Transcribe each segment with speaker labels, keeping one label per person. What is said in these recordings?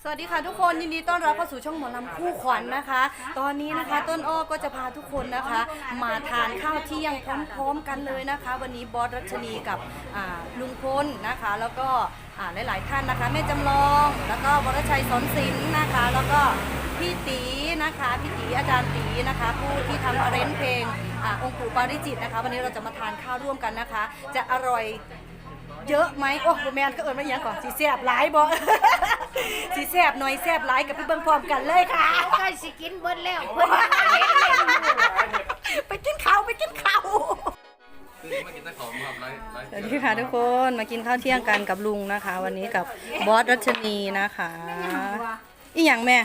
Speaker 1: สวัสดีค่ะทุกคนยินดีต้อนรับเข้าสู่ช่องหมอลำคู่ขวัญนะคะ ตอนนี้นะคะต้นอ้อก็จะพาทุกคนนะคะมาทานข้าวเที่ยงพร้อมๆกันเลยนะคะ วันนี้บอสรัชนีกับลุงพลนะคะ แล้วก็หลายๆท่านนะคะแม่จำลองแล้วก็วรชัยสอนศิลป์นะคะ แล้วก็พี่ตีนะคะพี่ตีอาจารย์ตีนะคะผู้ที่ทำอาเรนเพลงองค์ปู่ปาริจิตนะคะวันนี้เราจะมาทานข้าวร่วมกันนะคะ จะอร่อยเยอะไหมโอ้โหแมนก็เอิญมาอย่างก่อนสีแสบหลายบ่ สีแสบหน่อยแสบหลายกับพี่เบิ้งพร้อมกันเลยค่ะ
Speaker 2: ใกล้สิกินเบิดแล้วเพิ่นยังบ่เห็นเลย
Speaker 1: ไปกินข้าวไปกินข้าว
Speaker 3: มากินตะขอมครับไลฟ์
Speaker 1: สวัสดีค่ะทุกคนมากินข้าวเที่ยงกันกับลุงนะคะ วันนี้กับบอสรัชนีนะคะอีหยังแม่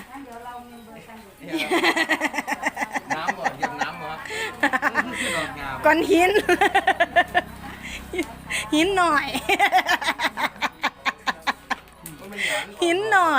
Speaker 3: น้ำบ่เย็นน้ำบ่ดอกงาม
Speaker 1: ก้อนหิน หินหน่อย หินหน่อย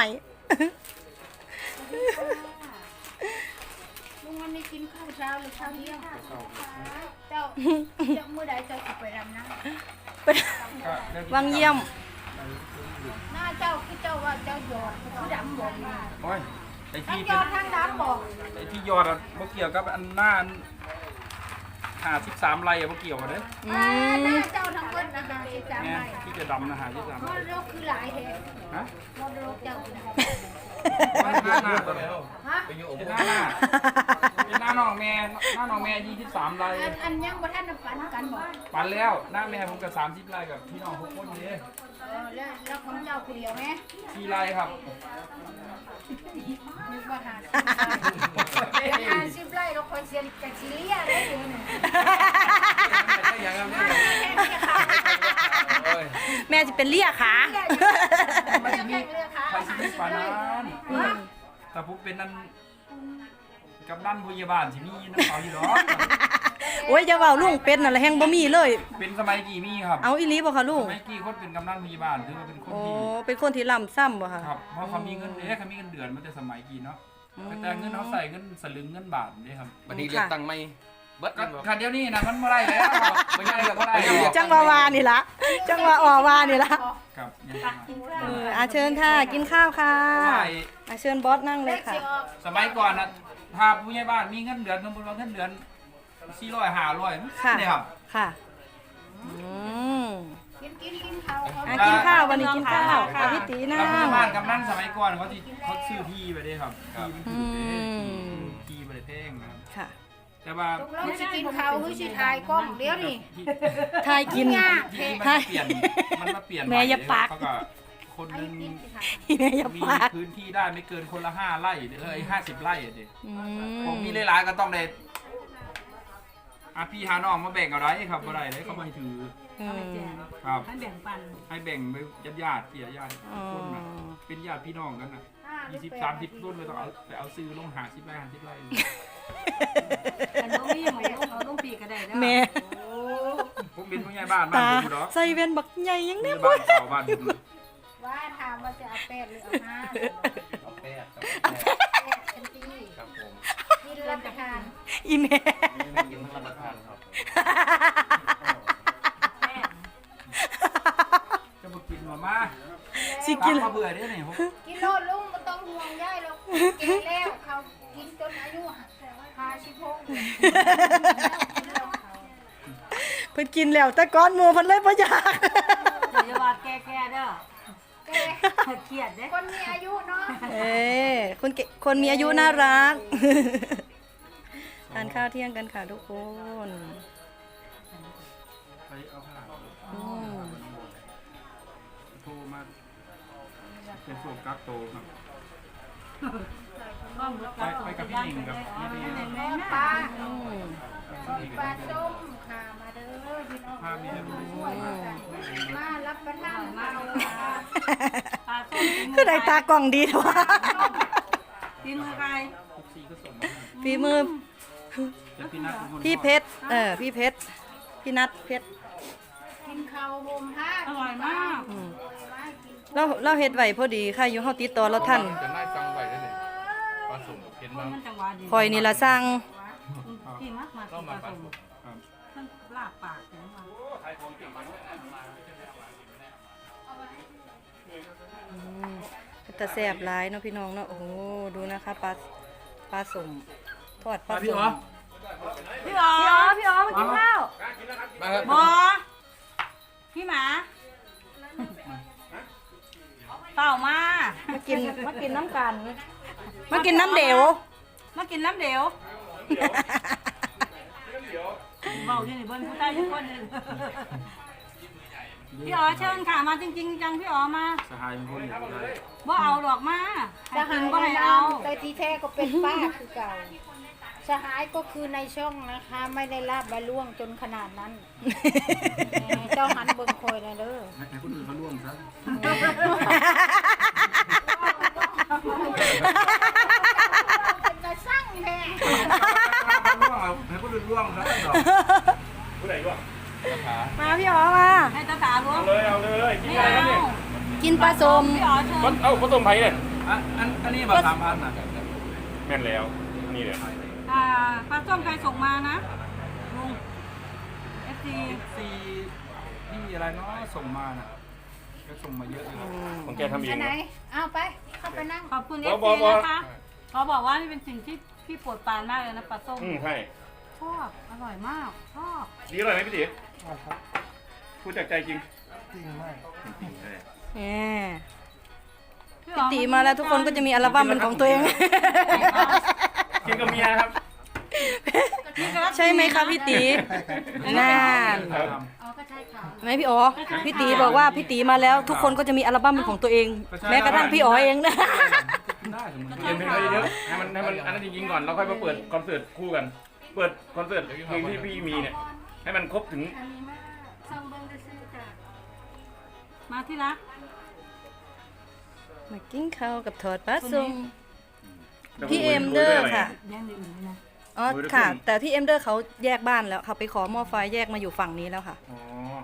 Speaker 2: ลุงวันนี้กินข้าวเช้าหรือข้าวเที่ยงเจ้ามื้อใดเจ้าสิไปรำนะ
Speaker 1: วังเยี่ยม
Speaker 2: หน้าเจ้าคือเจ้าว่าเจ้าหยอดคือดำบ่มา
Speaker 4: โอ้ยไอ้
Speaker 2: ทั้ง
Speaker 4: ที่
Speaker 2: หยอดทั้งดำบ่
Speaker 4: ไอ้ที่ยอดอะบ่เกี่ยวกับอันหน้า53ไร่อะบ่เกี่ยวกันเด้อ
Speaker 1: อื
Speaker 2: ห
Speaker 1: ม
Speaker 2: น้าเจ้าทั้งเบิดนะคะ13
Speaker 4: เนี่ย
Speaker 2: ไร่
Speaker 4: ที่จะดำนะ53
Speaker 2: มรดกคือหลายแท้
Speaker 4: ฮะ
Speaker 2: มรดกเจ้าคือ
Speaker 4: หน้าตัวแล้ว
Speaker 2: ฮะ
Speaker 3: ไปอยู่อบ
Speaker 4: เป็นหน้าเป็นหน้าน้องแม่23ไร่
Speaker 2: อันยังบ่ทันได้ปันกันบ่
Speaker 4: ปันแล้วหน้าแม่ผมก็30ไร่กับพี่น้องทุกคนเด้
Speaker 2: แล้วของเจ้าผู้เดียวแม่
Speaker 4: 4ไร่ครับ
Speaker 2: นึกว่า50ไร่เราคอยเสียกับสิเลียได้อยู่นี่
Speaker 3: ยังครับ
Speaker 1: แม่จะเป็นเลี่ยขา
Speaker 4: มันสิมีใครสิมีปานนั้นถ้าผมเป็นนั่นกำนันผู้ใหญ่บ้านสิมีน้ำเขาอยู่ดอก
Speaker 1: โอ้ยจะเว้าลุงเป็ดนั่นแหละแฮงบ่มีเลย
Speaker 4: เป็นสมัยกี่มีครับ
Speaker 1: เอาอีหลีบ่คะลุ
Speaker 4: ส
Speaker 1: ง
Speaker 4: มัยกี่คนเป็นกำนันผู้ใหญ่บ้านถือว่าเป็นคน
Speaker 1: โอ้
Speaker 4: ที่
Speaker 1: เป็นคนที่ล่ำซ้ำบ่คะ
Speaker 4: ครับเพราะเขามีเงินเขามีเงินเดือนมาแต่สมัยกี่เนาะแต่เงินเขาใส่เงินสลึงเงินบาทนี่ครับ
Speaker 3: วันนี้เลือกตั้งไม่เบิด
Speaker 4: ก็
Speaker 3: กันบ่
Speaker 4: คันเดียวนี่นะมันไม่ได้แล้วไม่ได้แล้วก็ได้แล้ว
Speaker 1: จังหวาวานี่ละจังหวะออวานี่ละ
Speaker 4: ครับยังไง
Speaker 1: เชิญค่ะกินข้าวค่ะ
Speaker 4: ใช่
Speaker 1: เชิญบอสนั่งเลยค่ะ
Speaker 4: สมัยก่อนนะถ้าผู้ใหญ่บ้านมีเงินเดือนสมมติว่าเงินเดือน400 500
Speaker 1: ค่ะ
Speaker 4: เนี่ยครับ
Speaker 1: ค่ะ
Speaker 2: กินข้าว
Speaker 1: กินข้าววันนี้กินข้าวค่ะพี่ตีนั่ง
Speaker 4: แล้วผู้ใหญ่บ้านกำนันสมัยก่อนเขาซื้อที่ไปได้ครับที่ไปได้แท่งนะครับ
Speaker 1: ค่ะ
Speaker 4: แต่ว่า
Speaker 2: ตกลงสิกินข้าวหรือสิถ่ายกล้องเดี๋ยวนี่
Speaker 1: ทายกิน
Speaker 4: ที่มันเปลี่ยนมันมาเปลี่ยน
Speaker 1: แม่อย่าปาก
Speaker 4: เขาก็คนหนึง
Speaker 1: แม่อย่า
Speaker 4: มี
Speaker 1: ปาก
Speaker 4: พื้นที่ได้ไม่เกินคนละ5 ไร่50 ไร่อะเด็
Speaker 1: อื
Speaker 4: ผมมีหลายๆก็ต้องได้พี่หาน้องมาแบ่งเอาได้ครับบ่ได้เลยเขาไม่ถือครับให้แบ่งปันให้แบ่งไปญาติเกี่ยญาติคนนะเป็นญาติพี่น้องกันนะ20-30ต้นเลยต้องเอาไปเอาซื้อลง50 ไร่50 ไร่
Speaker 1: แม่
Speaker 4: ผมเป็นผู้ใหญ่บ้านบ้าน
Speaker 1: ตา
Speaker 4: ผมเนาะ
Speaker 1: ใส่เวนบักใหญ่ยัง
Speaker 4: ผู้
Speaker 1: ได้
Speaker 4: ใหญ่
Speaker 1: บ่
Speaker 4: บ้านเก่าบ้านผม
Speaker 2: ว่าถามว่าจะเอาแป้งหรือเอาห้า
Speaker 3: เอาแปดครับ
Speaker 2: แป้งเป็นปี
Speaker 3: ครับผม
Speaker 2: กินรับประทาน
Speaker 1: อีแม่
Speaker 3: ไม่กินทั้งรับประทานครับ
Speaker 4: จะมากินมา
Speaker 1: สิกิน
Speaker 4: มาเบื่อได้ไหนผม
Speaker 2: กินโลดลุงไม่ต้องห่วงย่ายหรอกกินแล้วเขากินจนอายุ56
Speaker 1: เพิ่นกินแล้วแต่ก้อนหมูเพิ่นเลยบ่อยาก
Speaker 5: อย่าว่าแก่ๆเด้อ
Speaker 2: แก
Speaker 5: เครียดเด้
Speaker 2: คนมีอายุเนาะ
Speaker 1: คนมีอายุน่ารัก ทานข้าวเที่ยงกันค่ะทุกคน
Speaker 4: ไปเอาผ้า
Speaker 1: อืม
Speaker 4: โทรมาเป็นช่วงกักโตครับไปกับพี่หนิงกับพี่เลี้ยง
Speaker 2: ปลา
Speaker 1: อืม
Speaker 2: ปลาส้มค่ะมาเด้อพี่น้อง
Speaker 4: ผ้ามีเรื่อง
Speaker 2: ช่วยกันมารับประทานมาเอา
Speaker 5: ปลาส้ม
Speaker 1: คือได้ตากล่องดีเถอะวะ
Speaker 5: กินใคร
Speaker 4: ทุกสีก็ส่ง
Speaker 1: ฝีมือ
Speaker 4: แต่พี่นัทเป็นคน
Speaker 1: พี่เพชรพี่เพชรพี่นัทเพชร
Speaker 2: กินข้าวห่มผ้า
Speaker 5: อร่อยมาก
Speaker 1: อืมเราเฮ็ดไว้พอดีค่ะอยู่เฮาติดต่อเราทัน
Speaker 3: จะน่าจังไว้ได้เลยปลาสุ่มเห็นบ้าง
Speaker 5: มันจังหวะดี
Speaker 1: คอยนี่ละสร้าง
Speaker 5: พี่มากมา
Speaker 3: ก็มาปลา
Speaker 5: ส้ม
Speaker 4: ครับ
Speaker 5: มันลาบปากถึงมา
Speaker 1: กระแต่แสบร้ายเนาะพี่น้องเนาะโอ้โหดูนะคะปลาสุ่มทอดปลา
Speaker 4: พี่
Speaker 1: สุ่
Speaker 4: อ๋อ
Speaker 1: ม
Speaker 5: พี่อ๋อ
Speaker 1: พี่อ๋อมากินข้าว
Speaker 3: มาครับ
Speaker 5: บอพี่หมาเปล่ามา
Speaker 1: มากินน้ำกันมากินน้ำเดว
Speaker 5: มากินน้ำเดียวเบาที่นี่เบิ้ลผู้ใต้ทุกคนเลยพี่อ๋อเชิญค่ะมาจริงๆจังพี่อ๋อมา
Speaker 4: สหายเป็นคนอยู่ได้
Speaker 5: บ่เอาดอกมาให้
Speaker 2: ส
Speaker 5: กิ
Speaker 2: หาน ย
Speaker 5: บ่ให้
Speaker 2: เอา
Speaker 5: เอา
Speaker 2: แต่ที่แท้ก็เป็นป้าคือเก่าสหายก็คือในช่องนะคะ ไม่ได้ลาบและล่วงจนขนาดนั้นเจ้าหันเบิ่งคอยเลยเด้อ
Speaker 4: ให้คนอื่นเขาร่วมซะ
Speaker 2: เป็นกระสั่งแท้
Speaker 4: ให้คนอื่นร่วมซะดอก
Speaker 6: ผู้ใดร่วง
Speaker 1: มาพี่อ๋อมา
Speaker 5: ให้ตาตาล้วง
Speaker 6: เอาเลยกิน
Speaker 5: ไม่
Speaker 6: อะไรครับ
Speaker 5: เอา
Speaker 6: เนี่ย
Speaker 1: กินปลาส้ม
Speaker 5: พี่อ๋อเชิญ
Speaker 6: เอ้าผสมไผ่เนี่ย
Speaker 4: อันนี้แบบ3,000น่ะ
Speaker 6: แม่นแล้วนี่เลย
Speaker 5: ปลาส้มใครส่งมานะลุง FC
Speaker 4: ซีที่อะไรเนาะส่งมาน่ะก็ส่งมาเยอะเลย
Speaker 6: ของแกทำเอ
Speaker 2: อั
Speaker 6: ง
Speaker 2: นไหน
Speaker 6: นะ
Speaker 2: เอาไปเข้าไปนั่ง
Speaker 5: ขอบคุณ
Speaker 6: บ่
Speaker 5: FC
Speaker 6: บ่บ่
Speaker 5: นะคะเขาบอกว่านี่เป็นสิ่งที่พี่โปรดปรานมากเลยนะปลาส้ม
Speaker 6: ใช่
Speaker 5: ชอบอร่อยมากชอบ
Speaker 6: ดีอร่อยไหมพี่ติ๋พูดจากใจจริง
Speaker 1: แหมพี่ตีมาแล้วทุกคนก็จะมีอัลบั้มเป็นของตัวเอง
Speaker 6: กินกับเมียครับ
Speaker 1: ใช่ไหมคะพี่ตีนาน
Speaker 2: อ๋อก็ใช่ค่ะ
Speaker 1: ไหมพี่อ๋อพี่ตีบอกว่าพี่ตีมาแล้ว ทุกคนก็จะมีอัลบั้มเป็นของตัวเอง แม้กระทั่งพี่อ๋อเองนะ
Speaker 4: ได้สมมติ
Speaker 6: เรียนเพลงเขาเยอะๆให้มันอันนั้นจริงๆก่อนแล้วค่อยมาเปิดคอนเสิร์ตคู่กัน เปิดคอนเสิร์ตเพลงที่พี่มีเนี่ยให้มันครบถึง
Speaker 2: อันนี้มาซ่องเบิ่งได้ซื้อจ้ะ
Speaker 5: มาที่รัก
Speaker 1: มากินข้าวกับทอดปลาส้มพี่เอ็มเดอร์ค่ะ
Speaker 5: แย่งในอื่นเลยนะ
Speaker 1: อ๋อค่ะ แต่พี่เอ็มเดอร์เขาแยกบ้านแล้วเขาไปขอหม้อไฟแยกมาอยู่ฝั่งนี้แล้วค่ะ
Speaker 6: อ๋อ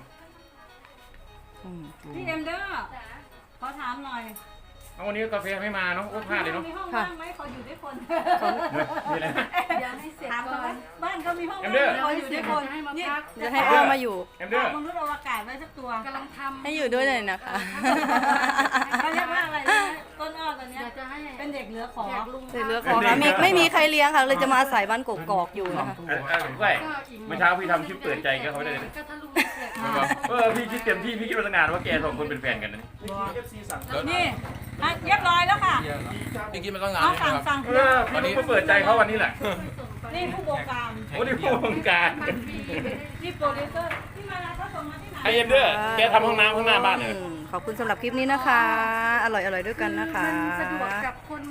Speaker 1: อืม
Speaker 5: พี่เอ็มเดอร์ขอถามหน่อย
Speaker 6: เอาวันนี้กาแฟไม่มาเนาะโอ้พลาดเลยเนาะ
Speaker 5: มีห้องว่างไหมเขาอยู่ด้วยคน
Speaker 6: นี่แหละ
Speaker 2: ยังไม่เสร็จ
Speaker 5: ถาม
Speaker 2: ก่
Speaker 5: เขา
Speaker 2: อ
Speaker 5: ไหม
Speaker 2: น
Speaker 5: บ้านเขามีห้อง
Speaker 6: เอ็
Speaker 5: ว่าม
Speaker 6: เดอร์
Speaker 5: งเขาอยู่ด้วยคนนี่
Speaker 1: จะให้อ้อมาอยู่
Speaker 6: เอ็มเดอร์
Speaker 5: มนุษย์อวกาศไว้สักตัว
Speaker 2: กำลังทำ
Speaker 1: ให้อยู่ด้วยเลยนะคะ
Speaker 5: เขาเรียกว่าอะไรนะต้นอ้อตอนเนี้ย
Speaker 2: อยากจะให้
Speaker 5: เป็นเด็กเหลือขอ
Speaker 2: อยากลุง
Speaker 1: เสร็จเรือของค่ะไม่มีใครเลี้ยงค่ะ เลยจะมาอาศัยบ้านกกๆอยู่นะคะ
Speaker 6: ก้อยเมื่อเช้าพี่ทำคลิปเปิดใจก็เขาได้เลย
Speaker 2: ก็ถ้าลุงไม่เสร็จ
Speaker 6: พี่คิดเต็มที่พี่คิดมาตั้งนานว่าแกสองคนเป็นแฟนกันนะ
Speaker 5: นี่อ่ะเรียบร้อยแล้วค่ะ
Speaker 3: พี่กินมาตั้งนาน
Speaker 5: เอา
Speaker 3: แล้ว
Speaker 5: สั่ง
Speaker 3: ครับ
Speaker 5: สั่ง
Speaker 6: พี่รู้มาเปิดใจเขาวันนี้แหละ
Speaker 5: นี่ผู้บงการ
Speaker 6: โอ้นี่ผู้วงการ
Speaker 5: นี่โปรดิวเซอร์ที่มาเขาส่งมาที่ไหน
Speaker 6: ไอเอ็มเดอร์แกทำห้องน้ำข้างหน้าบ้านเลย
Speaker 1: ขอบคุณสำหรับคลิปนี้นะคะ อร่อยด้วยกันนะคะ
Speaker 2: สะดวกกับคน